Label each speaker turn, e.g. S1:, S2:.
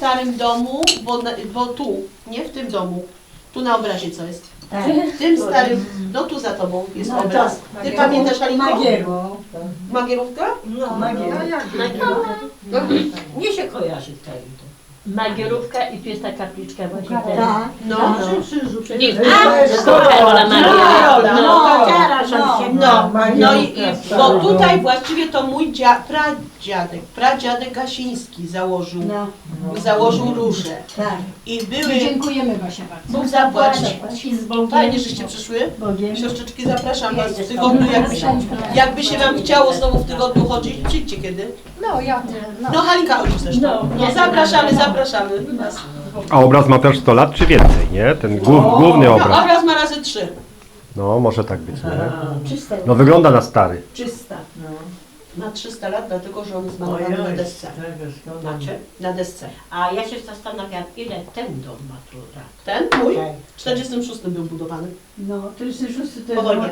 S1: starym domu, bo tu, nie w tym domu, tu na obrazie co jest?
S2: Tak.
S1: W tym starym, no tu za tobą jest
S2: No,
S1: obraz. Ty pamiętasz, Halinko? Magierówka?
S2: No, mnie się kojarzy wtedy.
S3: Magierówka i tu jest ta kapliczka właśnie teraz.
S2: Tak.
S1: No.
S3: Nie, to Karola Maria.
S1: No i bo tutaj właściwie to mój pradziadek Gasiński założył róże.
S2: Tak.
S1: I były,
S4: Dziękujemy Basia bardzo.
S1: Bóg zapłać.
S3: I z Bogiem.
S1: Fajnie, żeście przyszły.
S2: Bogiem.
S1: Siostrzyczki, zapraszam was w tygodniu, jakby się wam chciało znowu w tygodniu chodzić, przyjdźcie kiedy.
S4: No ja
S1: No Halinka chodzi zresztą. No zapraszamy.
S5: A obraz ma też 100 lat czy więcej, nie? Ten główny
S1: No,
S5: obraz.
S1: obraz ma razy 3.
S5: No, może tak być, nie?
S2: Czyste.
S5: No wygląda na stary.
S2: Czysta.
S1: Ma 300 lat, dlatego że on jest malowany na desce.
S3: Znaczy?
S1: Na desce.
S3: A ja się zastanawiam, ile ten dom ma tu lat.
S1: Ten mój w 46 był budowany.
S2: No, 46 to
S1: Po wojnie.